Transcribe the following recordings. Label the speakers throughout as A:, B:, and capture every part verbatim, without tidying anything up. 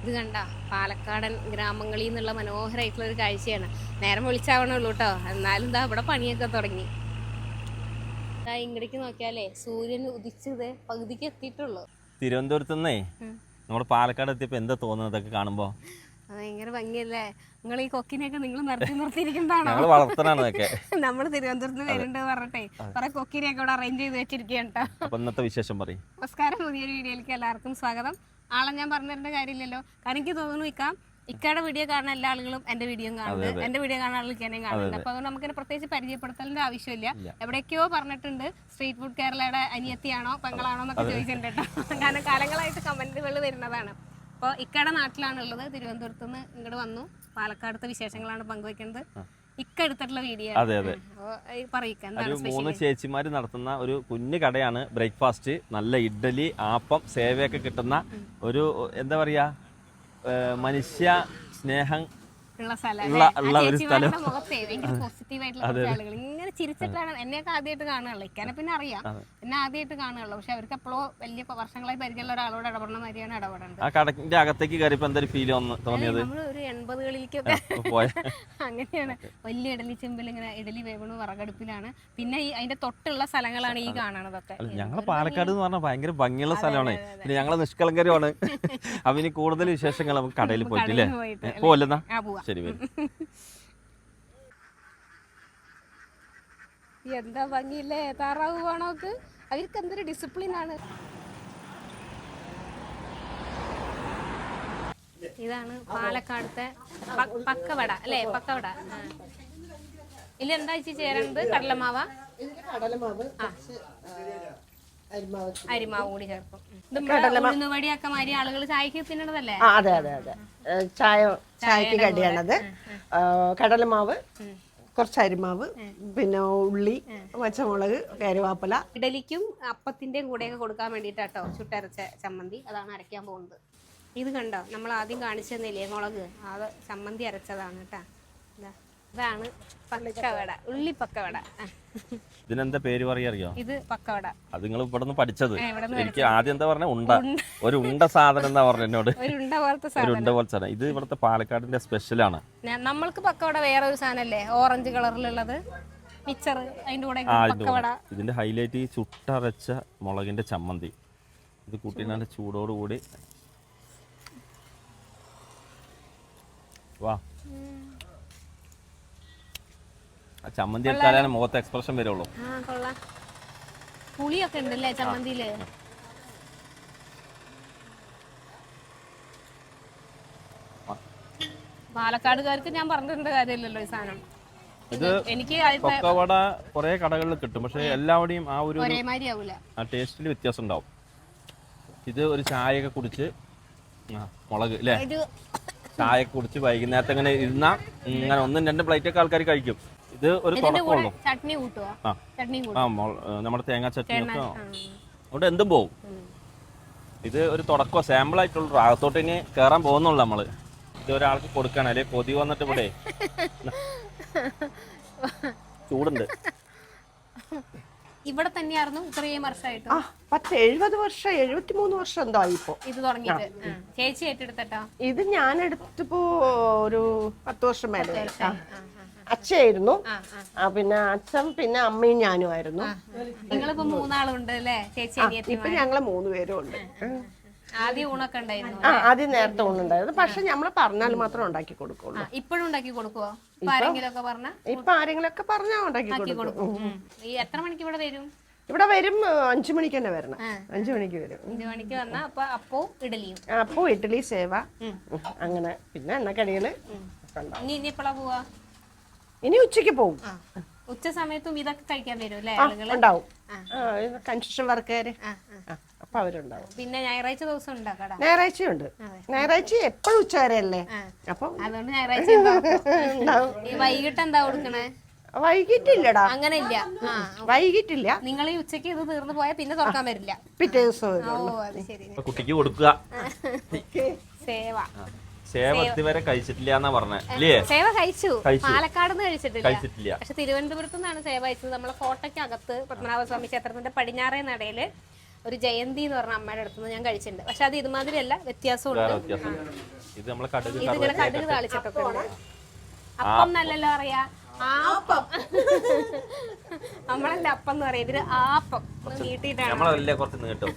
A: ഇത് കണ്ട പാലക്കാടൻ ഗ്രാമങ്ങളിൽ നിന്നുള്ള മനോഹരമായിട്ടുള്ള ഒരു കാഴ്ചയാണ്. നേരം വിളിച്ചാവണുള്ളൂ കേട്ടോ, എന്നാലും എന്താ ഇവിടെ പണിയൊക്കെ തുടങ്ങി. ഇങ്ങടേക്ക് നോക്കിയാലേ സൂര്യൻ ഉദിച്ചത് പകുതിക്ക് എത്തിയിട്ടുള്ളൂ.
B: തിരുവനന്തപുരത്ത് നിന്നേ നമ്മുടെ പാലക്കാട് എത്തിയപ്പോ എന്താ തോന്നുന്നതൊക്കെ കാണുമ്പോ?
A: ഭയങ്കര ഭംഗിയല്ലേ. നിങ്ങൾ ഈ കൊക്കിനെയൊക്കെ നിങ്ങൾ നിർത്തി നിർത്തിയിരിക്കുന്നതാണോ? നമ്മള് തിരുവനന്തപുരത്ത് വരുന്നുണ്ട് പറഞ്ഞിട്ടേ കുറെ കൊക്കിനെയൊക്കെ ഇവിടെ അറേഞ്ച് ചെയ്ത് വെച്ചിരിക്കുകയാണ് കേട്ടോ.
B: ഇന്നത്തെ വിശേഷം പറയും.
A: നമസ്കാരം, പുതിയൊരു വീഡിയോയിലേക്ക് എല്ലാവർക്കും സ്വാഗതം. ആളെ ഞാൻ പറഞ്ഞിരേണ്ട കാര്യമില്ലല്ലോ, കാരണം എനിക്ക് തോന്നുന്നു ഇക്കാം ഇക്കയുടെ വീഡിയോ കാണുന്ന എല്ലാ ആളുകളും എന്റെ വീഡിയോ കാണുന്നത്, എന്റെ വീഡിയോ കാണുന്ന ആളുകൾക്ക് എന്നെയും കാണുന്നത്. അപ്പൊ അതുകൊണ്ട് നമുക്ക് പ്രത്യേകിച്ച് പരിചയപ്പെടുത്തലിന്റെ ആവശ്യമില്ല. എവിടേക്കോ പറഞ്ഞിട്ടുണ്ട് സ്ട്രീറ്റ് ഫുഡ് കേരളയുടെ അനിയത്തിയാണോ പെങ്ങളാണോ എന്നൊക്കെ ചോദിച്ചിട്ടുണ്ട് കേട്ടോ. കാരണം കാലങ്ങളായിട്ട് കമന്റുകൾ വരുന്നതാണ്. അപ്പോൾ ഇക്കയുടെ നാട്ടിലാണുള്ളത്, തിരുവനന്തപുരത്ത് നിന്ന് ഇങ്ങോട്ട് വന്നു. പാലക്കാടത്തെ വിശേഷങ്ങളാണ് പങ്കുവെക്കുന്നത്. ഇക്ക എടുത്തിട്ടുള്ള വീഡിയോ
B: ഒരു മൂന്ന് ചേച്ചിമാര് നടത്തുന്ന ഒരു കുഞ്ഞു കടയാണ്. ബ്രേക്ക്ഫാസ്റ്റ്, നല്ല ഇഡ്ഡലി, ആപ്പം, സേവയൊക്കെ കിട്ടുന്ന ഒരു എന്താ പറയാ മനുഷ്യ സ്നേഹം
A: ഉള്ള സ്ഥലം. ഇങ്ങനെ ചിരിച്ചിട്ടാണ് എന്നെയൊക്കെ ആദ്യമായിട്ട് കാണുകയുള്ളൂ. ഇക്കാനെ പിന്നെ അറിയാം, എന്നെ ആദ്യമായിട്ട് കാണുകയുള്ളൂ. പക്ഷെ അവർക്ക് എപ്പോഴും വലിയ വർഷങ്ങളായി പരിചയമുള്ള ഒരാളോട് ഇടപെടുന്ന മാതിരിയാണ് ഇടപെടേണ്ടത്.
B: ആ കടക്കിന്റെ അകത്തേക്ക് കയറിയപ്പോ എന്തൊരു ഫീൽ തോന്നിയത്?
A: നമ്മള് ഒരു എൺപതുകളിലേക്കൊക്കെ അങ്ങനെയാണ്. വലിയ ഇഡലി ചെമ്പിൽ ഇങ്ങനെ ഇഡലി വേവണു വിറകടുപ്പിലാണ്. പിന്നെ ഈ അതിന്റെ തൊട്ടുള്ള സ്ഥലങ്ങളാണ് ഈ കാണണതൊക്കെ.
B: ഞങ്ങള് പാലക്കാട് എന്ന് പറഞ്ഞാൽ ഭയങ്കര ഭംഗിയുള്ള സ്ഥലമാണ്. പിന്നെ ഞങ്ങള് നിഷ്കളങ്കരമാണ്. അവന് കൂടുതൽ വിശേഷങ്ങൾ നമുക്ക് കടയിൽ പോയിട്ടില്ലേ പോലെന്നാ. ശരി,
A: എന്താ ഭംഗിയില്ലേ താറാവ് പോണോക്ക്. അവർക്ക് എന്തൊരു ഡിസിപ്ലിൻ ആണ്. ഇതാണ് പാലക്കാടത്തെ പക്കവട അല്ലേ? പക്കവട. ഇതിൽ എന്താ ചേരുന്നത്? കടലമാവ, അരിമാവ് കൂടി ചേർക്കും. ഉഴുന്നുവടിയൊക്കെ മാതിരി ആളുകൾ ചായക്ക് തിന്നണതല്ലേ?
C: അതെ അതെ അതെ, ചായ ചായക്ക് കടിയാണത്. കടലമാവ്, കുറച്ച് അരിമാവ്, പിന്നെ ഉള്ളി, പച്ചമുളക്, കരുവേപ്പില.
A: ഇഡലിക്കും അപ്പത്തിന്റെയും കൂടെയൊക്കെ കൊടുക്കാൻ വേണ്ടിയിട്ടാട്ടോ ചുട്ടരച്ച ചമ്മന്തി. അതാണ് അരയ്ക്കാൻ പോകുന്നത്. ഇത് കണ്ടോ, നമ്മൾ ആദ്യം കാണിച്ചു തന്നില്ലേ മുളക്, അത് ചമ്മന്തി അരച്ചതാണ് കേട്ടാ. ഇതാണ് പക്കവട, ഉള്ളി പക്കവട.
B: ഇതിനെന്താ പേര് പറയാറിയോ?
A: ഇത് പക്കവട.
B: അത് നിങ്ങൾ ഇവിടെ നിന്ന് പഠിച്ചത്? എനിക്ക് ആദ്യം എന്താ പറഞ്ഞ ഉണ്ട, ഒരു ഉണ്ട സാധനം എന്താ പറഞ്ഞ എന്നോട്.
A: ഒരു ഉണ്ട പോലത്തെ
B: ഒരു ഉണ്ട പോലത്തെ സാധനം. ഇത് ഇവിടുത്തെ പാലക്കാടിന്റെ സ്പെഷ്യലാണ്.
A: നമ്മൾക്ക് പക്കവട വേറെ ഒരു സാധനല്ലേ, ഓറഞ്ച് കളറിലുള്ളത് മിച്ചർ, അതിന്റെ കൂടെ പക്കവട.
B: ഇതിന്റെ ഹൈലൈറ്റ് ഈ ചുട്ടരച്ച മുളകിന്റെ ചമ്മന്തി. ഇത് കൂട്ടിനാന്റെ ചൂടോടുകൂടി വാ. ചമ്മന്തി എടുത്താലാണ് മുഖത്ത് എക്സ്പ്രഷൻ വരുള്ളൂ.
A: പുളിയൊക്കെ ഉണ്ടല്ലേ ചമ്മന്തിയില്. പാലക്കാടുകാർക്ക് ഞാൻ പറഞ്ഞിട്ടുണ്ട് കാര്യമില്ലല്ലോ ഈ സാധനം.
B: ഇത് എനിക്ക് പക്കവട കുറെ കടകളിൽ കിട്ടും, പക്ഷെ എല്ലാവരുടെയും ആ ഒരു ആ ടേസ്റ്റിൽ വ്യത്യാസം ഉണ്ടാവും. ഇത് ഒരു ചായയൊക്കെ കുടിച്ച് മുളക് അല്ലേ, ചായ കുടിച്ച് വൈകുന്നേരത്തെ ഇങ്ങനെ ഇരുന്നാ ഇങ്ങനെ ഒന്നും രണ്ടും പ്ലേറ്റ് ഒക്കെ ആൾക്കാർ കഴിക്കും. ഇത് ഒരു തുടക്കമുള്ളൂ. നമ്മുടെ തേങ്ങാ ചട്നി ഒക്കെ അവിടെ എന്തും പോവും. ഇത് ഒരു തുടക്കം, സാമ്പിൾ ആയിട്ടുള്ളൂ. അകത്തോട്ട് ഇനി കേറാൻ പോകുന്നുള്ളൂ നമ്മള്. ഇത് ഒരാൾക്ക് കൊടുക്കണം, അല്ലെ കൊതി വന്നിട്ട് ഇവിടെ ചൂടുണ്ട്.
A: ഇവിടെ തന്നെയായിരുന്നു ഇത്രയും വർഷമായിട്ട്.
C: പത്ത് എഴുപത് വർഷം എഴുപത്തി മൂന്ന് വർഷം എന്താ ഇപ്പൊ
A: ഇത് തുടങ്ങിയിട്ട്. ചേച്ചി ഏറ്റെടുത്തട്ടോ?
C: ഇത് ഞാൻ എടുത്തിപ്പോ ഒരു പത്ത് വർഷം മേലെ. അച്ഛയായിരുന്നു, പിന്നെ അച്ഛൻ, പിന്നെ അമ്മയും ഞാനും ആയിരുന്നു.
A: നിങ്ങളിപ്പോ മൂന്നാളുണ്ട് അല്ലേ? ചേച്ചി
C: ഇപ്പൊ ഞങ്ങള് മൂന്ന് പേരും ഉണ്ട്.
A: ആദ്യം ഊണൊക്കെ ഉണ്ടായിരുന്നു?
C: ആ, ആദ്യം നേരത്തെ ഊണുണ്ടായിരുന്നു. പക്ഷെ നമ്മള് പറഞ്ഞാൽ മാത്രം ഉണ്ടാക്കി കൊടുക്കുള്ളൂ.
A: ഇപ്പോഴും ഉണ്ടാക്കി കൊടുക്കുവോ? ഇപ്പൊ ആരെങ്കിലും
C: ഒക്കെ പറഞ്ഞാൽ ഉണ്ടാക്കി കൊടുക്കും.
A: എത്ര മണിക്ക് ഇവിടെ വരും?
C: ഇവിടെ വരും അഞ്ചു മണിക്ക് തന്നെ വരണം. അഞ്ചു മണിക്ക് വരും.
A: അഞ്ചു മണിക്ക് വന്നാ അപ്പൊ അപ്പവും ഇഡലിയും.
C: അപ്പോ ഇഡലി, സേവ, അങ്ങനെ. പിന്നെ എണ്ണക്കടികള്.
A: ഇനി ഇനി എപ്പോഴാ പോവാ?
C: ഇനി ഉച്ചക്ക് പോകും.
A: ഉച്ച സമയത്തും ഇതൊക്കെ കഴിക്കാൻ വരും അല്ലേ?
C: ഉണ്ടാവും, കൺസ്ട്രക്ഷൻ വർക്കുകാര്, അപ്പൊ അവരുണ്ടാവും.
A: പിന്നെ ഞായറാഴ്ച ദിവസം ഉണ്ടോ കട?
C: ഞായറാഴ്ചയുണ്ട്. ഞായറാഴ്ച എപ്പോഴും ഉച്ച വരെ അല്ലേ, അപ്പൊ
A: അതുകൊണ്ട് ഞായറാഴ്ച വൈകിട്ട് എന്താ കൊടുക്കണേ?
C: വൈകിട്ടില്ലടാ,
A: അങ്ങനെ ഇല്ല.
C: വൈകിട്ടില്ല.
A: നിങ്ങൾ ഈ ഉച്ചക്ക് ഇത് തീർന്നു പോയാൽ പിന്നെ തുറക്കാൻ വരില്ല,
C: പിറ്റേ ദിവസം.
A: ഓ അത് ശരി.
B: കുട്ടിക്ക് കൊടുക്കുക.
A: സേവ
B: സേവ ഇതുവരെ കഴിച്ചിട്ടില്ല എന്നാ പറഞ്ഞേ.
A: സേവ കഴിച്ചു, പാലക്കാട് നിന്ന്
B: കഴിച്ചിട്ടില്ല.
A: പക്ഷെ തിരുവനന്തപുരത്ത് നിന്നാണ് സേവ കഴിച്ചത്. നമ്മളെ കോട്ടയ്ക്കകത്ത് പത്മനാഭസ്വാമി ക്ഷേത്രത്തിന്റെ പടിഞ്ഞാറേ നടയില് ഒരു ജയന്തി എന്ന് പറഞ്ഞ അമ്മയുടെ അടുത്തുനിന്ന് ഞാൻ കഴിച്ചിട്ടുണ്ട്. പക്ഷെ അത് ഇതുമാതിരി അല്ല, വ്യത്യാസമുണ്ട്.
B: ഇത് നമ്മളെ കടുക്
A: ഇതിങ്ങനെ കടുക് താളിച്ചിട്ടൊക്കെ ഉണ്ട്. അപ്പം നല്ലല്ലോ പറയാ, ആപ്പം. നമ്മളല്ല അപ്പം എന്ന് പറയാം, ഇതിന് ആപ്പം നീട്ടിട്ടാണ്.
B: നമ്മളല്ലേ കുറച്ച് നീട്ടും.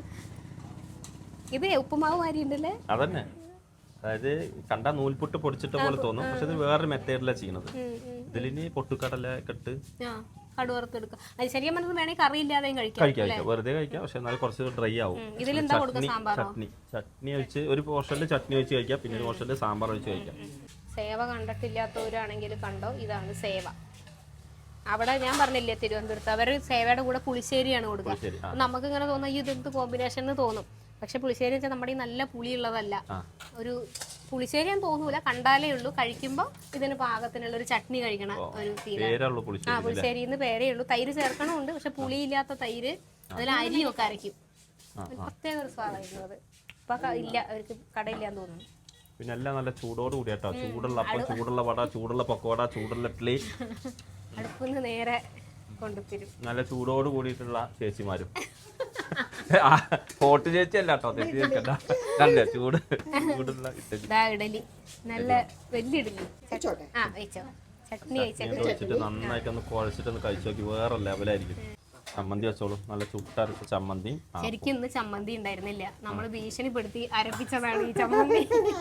A: ഇത് ഉപ്പുമാവ് മാതിരി ഉണ്ടല്ലേ?
B: അതന്നെ, അതായത് കണ്ട നൂൽപുട്ട് പൊടിച്ചിട്ട പോലെ തോന്നും, പക്ഷെ ഇത് വേറൊരു മെത്തേഡിലാണ് ചെയ്യുന്നത്. ഇതിലിനി പൊട്ടുകടല കെട്ട്
A: കടുവറുത്തെടുക്കാം. അത് ശരിക്കും പറഞ്ഞത് വേണമെങ്കിൽ കറി ഇല്ലാതെയും കഴിക്കാം.
B: കഴിക്കാം, വെറുതെ കഴിക്കാം, പക്ഷെ എന്നാലും കുറച്ച് ഡ്രൈ ആവും.
A: ഇതിലെന്താ കൊടുക്കുക? സാമ്പാറോ?
B: ചട്നി ചട്നി ഒഴിച്ച് ഒരു പോർഷനിൽ ചട്നി ഒഴിച്ച് കഴിക്കാം, പിന്നെ ഒരു പോർഷനിൽ സാമ്പാർ ഒഴിച്ച് കഴിക്കാം.
A: സേവ കണ്ടിട്ടില്ലാത്തവരാണെങ്കിൽ കണ്ടോ, ഇതാണ് സേവ. അവിടെ ഞാൻ പറഞ്ഞില്ലേ തിരുവനന്തപുരത്ത് അവർ സേവയുടെ കൂടെ പുളിശ്ശേരിയാണ് കൊടുക്കുക. നമുക്ക് ഇങ്ങനെ തോന്നുന്ന ഈ ഇതെന്ത് കോമ്പിനേഷൻ എന്ന് തോന്നും, പക്ഷെ പുളിശ്ശേരി വെച്ചാൽ നമ്മുടെ ഈ നല്ല പുളിയുള്ളതല്ല, ഒരു പുളിശ്ശേരി എന്ന് തോന്നൂല, കണ്ടാലേ ഉള്ളൂ. കഴിക്കുമ്പോൾ ഇതിന് പാകത്തിനുള്ള ഒരു ചട്നി കഴിക്കണ ഒരു ആ പുളിശ്ശേരി എന്ന് പേരേ ഉള്ളൂ. തൈര് ചേർക്കണമുണ്ട്, പക്ഷെ പുളിയില്ലാത്ത തൈര്, അതിൽ അരിയൊക്കെ അരയ്ക്കും. പ്രത്യേക ഒരു സ്വാദായിരുന്നു അത്. ഇപ്പൊ ഇല്ല, അവർക്ക് കടയില്ലാന്ന് തോന്നുന്നു.
B: പിന്നെ എല്ലാം നല്ല ചൂടോട് കൂടി കേട്ടോ, ചൂടുള്ള അപ്പം, ചൂടുള്ള വട, ചൂടുള്ള പക്കോട, ചൂടുള്ള ഇഡ്ഡലി
A: അടുപ്പിന്ന് നേരെ കൊണ്ടുതരും.
B: നല്ല ചൂടോട് കൂടിയിട്ടുള്ള ചേച്ചിമാരും. പോട്ട് ചേച്ചി അല്ല കേട്ടോ, തെറ്റി ചേച്ചല്ല, നല്ല ചൂട് ചൂടുള്ള
A: ഇഡലി, നല്ല വലിയ ഇഡലി. ആ വെച്ചോ, ചട്നി
B: വെച്ചിട്ട് നന്നായിട്ടൊന്ന് കുഴച്ചിട്ടൊന്ന് കഴിച്ചു നോക്കി, വേറെ ലെവലായിരിക്കും. ചമ്മന്തി വെച്ചോളൂ, നല്ല ചുട്ടരച്ച ചമ്മന്തി.
A: ശരിക്കും ഇന്ന് ചമ്മന്തി ഉണ്ടായിരുന്നില്ല, നമ്മൾ ഭീഷണിപ്പെടുത്തി അരപ്പിച്ചതാണ് ഈ ചമ്മന്തി.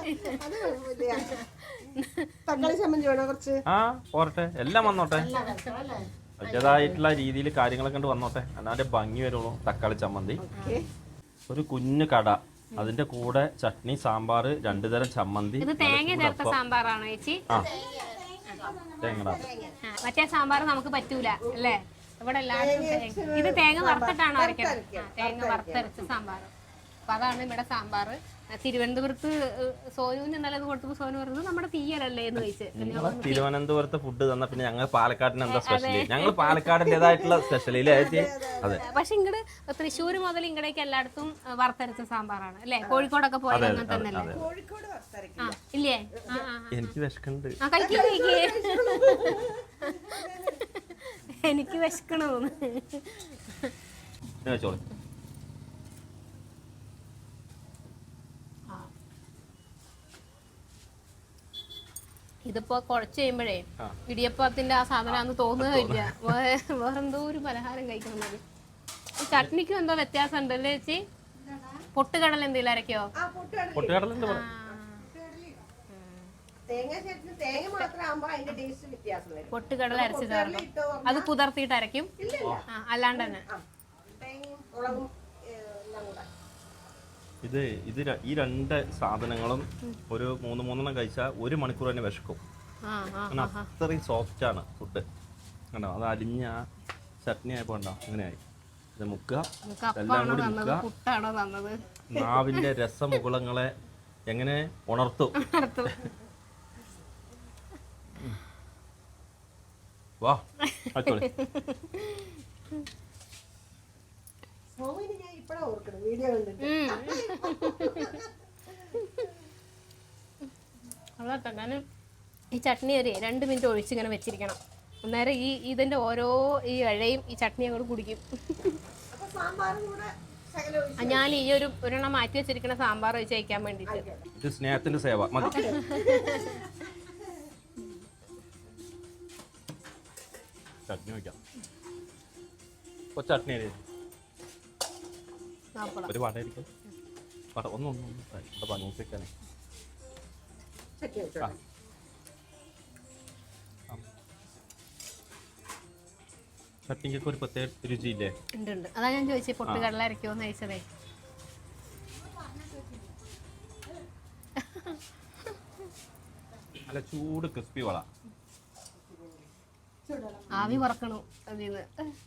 B: ആ പോരട്ടെ, എല്ലാം വന്നോട്ടെ, അതിൻ്റെതായിട്ടുള്ള രീതിയിൽ കാര്യങ്ങളൊക്കെ കൊണ്ട് വന്നോട്ടെ, എന്നാലേ ഭംഗി വരുള്ളൂ. തക്കാളി ചമ്മന്തി, ഒരു കുഞ്ഞു കട, അതിന്റെ കൂടെ ചട്നി, സാമ്പാർ, രണ്ടു തരം ചമ്മന്തി.
A: ഇത് തേങ്ങ ചേർത്ത സാമ്പാറാണോ ചേച്ചി?
B: ആ തേങ്ങ.
A: മറ്റേ സാമ്പാർ നമുക്ക് പറ്റൂല അല്ലേ? ഇവിടെ എല്ലാവരും ഇത് തേങ്ങ വറുത്തിട്ടാണോ അരയ്ക്കുന്നത്? തേങ്ങ വറുത്തരച്ച സാമ്പാർ. അപ്പൊ അതാണ് ഇവിടെ സാമ്പാർ. തിരുവനന്തപുരത്ത് സോനുവിന് ഇന്നലെ കൊടുത്തപ്പോൾ സോനു പറഞ്ഞത് നമ്മുടെ തീയലല്ലേ എന്ന് ചോദിച്ചു.
B: തിരുവനന്തപുരത്ത് ഫുഡ് തന്ന പിന്നെ ഞങ്ങൾ പാലക്കാടിന് എന്താ സ്പെഷ്യൽ? ഞങ്ങൾ പാലക്കാടിൻ്റെതായിട്ടുള്ള സ്പെഷ്യൽ അതെ.
A: പക്ഷെ ഇങ്ങട് തൃശ്ശൂർ മുതൽ ഇങ്ങടേക്ക് എല്ലായിടത്തും വറുത്തരച്ച സാമ്പാറാണ് അല്ലേ? കോഴിക്കോടൊക്കെ പോയത് അങ്ങനെ തന്നെയല്ലേ? ഇല്ലേ?
B: എനിക്ക് വിശക്കുന്നുണ്ട്,
A: എനിക്ക് വിശക്കണോന്ന്. ഇതിപ്പോ കുഴച്ച് കഴിയുമ്പോഴേ ഇടിയപ്പത്തിന്റെ ആ സാധനം തോന്നുകയില്ല, വേറെന്തോ ഒരു പലഹാരം കഴിക്കുന്നത്. ഈ ചട്നിക്കും എന്തോ വ്യത്യാസം ഉണ്ടല്ലേ ചേച്ചി? പൊട്ടുകടല എന്തെങ്കിലും അരക്കോ? പൊട്ടുകടല അരച്ച് ചേർക്കും, അത് കുതിർത്തിയിട്ട് അരയ്ക്കും, അല്ലാണ്ട് തന്നെ.
B: ഇത് ഇത് ഈ രണ്ട് സാധനങ്ങളും ഒരു മൂന്ന് മൂന്നെണ്ണം കഴിച്ചാൽ ഒരു മണിക്കൂർ തന്നെ വിശക്കും. അത്രയും സോഫ്റ്റ് ആണ് ഫുഡ് കണ്ടോ. അത് അരിഞ്ഞ ചട്നി ആയപ്പോ ഉണ്ടോ അങ്ങനെയായി. ഇത് മുക്കുക, എല്ലാം കൂടി മുക്കുക, നാവിന്റെ രസമുകുളങ്ങളെ എങ്ങനെ ഉണർത്തും. വാ അടിപൊളി.
A: ഈ ചട്നി ഒരു രണ്ട് മിനിറ്റ് ഒഴിച്ച് ഇങ്ങനെ വെച്ചിരിക്കണം. അന്നേരം ഈ ഇതിന്റെ ഓരോ ഈ ഇഴയും ഈ ചട്നി അങ്ങോട്ട് കുടിക്കും. ഞാൻ ഈ ഒരു ഒരെണ്ണം മാറ്റി വെച്ചിരിക്കുന്ന സാമ്പാർ ഒഴിച്ച് കഴിക്കാൻ വേണ്ടിട്ട്.
B: സ്നേഹത്തിന്റെ സേവ മതി. ചട്നി വയ്ക്കാം, ചട്നി ഒരു വട ആയിരിക്കും. വട ഒന്നും ഒന്നും ഇവിടെ പനൂസിക്കാനേ. ചട്നിക്കൊക്കെ ഒരു പ്രത്യേക രുചിയില്ലേ?
A: ഉണ്ട്. അതാ ഞാൻ ചോദിച്ചത് പൊട്ടുകടല അരയ്ക്കുമെന്ന് ചോദിച്ചതേ.
B: നല്ല ചൂട് ക്രിസ്പി വള,
A: ആവി പറക്കണു അതിന്ന്.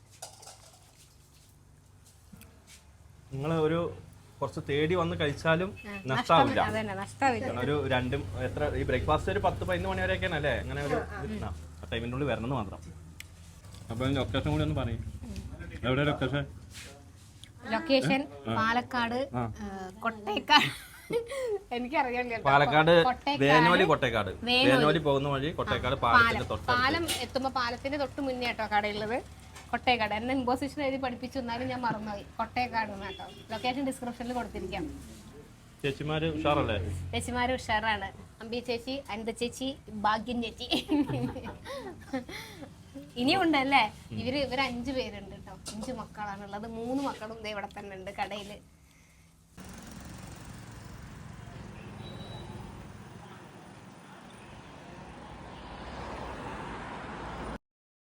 B: നിങ്ങൾ ഒരു കുറച്ച് തേടി വന്ന് കഴിച്ചാലും നഷ്ടാവില്ല. ഒരു രണ്ടും എത്ര ഈ ബ്രേക്ക്ഫാസ്റ്റ് ഒരു പത്ത് പതിനൊന്ന് മണി വരെയൊക്കെയാണ് അല്ലേ? അങ്ങനെ ഒരു ടൈമിൻ്റെ ഉള്ളിൽ വരണമെന്ന് മാത്രം. അപ്പൊ ലൊക്കേഷൻ കൂടി ഒന്ന് പറയും. എവിടെ ലൊക്കേഷൻ?
A: ലൊക്കേഷൻ പാലക്കാട് കൊട്ടേക്കാട്. എനിക്കറിയാം,
B: പാലക്കാട് വേനോലി കൊട്ടേക്കാട്. വേനോലി പോകുന്ന വഴി കൊട്ടേക്കാട് പാലത്തിന്റെ തൊട്ട്
A: പാലം എത്തുമ്പോ പാലത്തിന്റെ തൊട്ട് മുന്നേ കേട്ടോ കടയുള്ളത്. കൊട്ടേക്കാട് എന്നെ ഇമ്പോസിഷൻ എഴുതി പഠിപ്പിച്ചു, എന്നാലും ഞാൻ മറന്നുപോയി. കൊട്ടേക്കാട് കേട്ടോ. ലൊക്കേഷൻ ഡിസ്ക്രിപ്ഷനിൽ കൊടുത്തിരിക്കാം.
B: ചേച്ചിമാര് ഉഷാറല്ലേ?
A: ചേച്ചിമാര് ഉഷാറാണ്. അമ്പി ചേച്ചി, അനിത ചേച്ചി, ഭാഗ്യം ചേച്ചി. ഇനിയുണ്ടല്ലേ ഇവര് ഇവര് അഞ്ചു പേരുണ്ട് കേട്ടോ. അഞ്ചു മക്കളാണുള്ളത്. മൂന്ന് മക്കളും ഇവിടെ തന്നെ ഉണ്ട് കടയില്.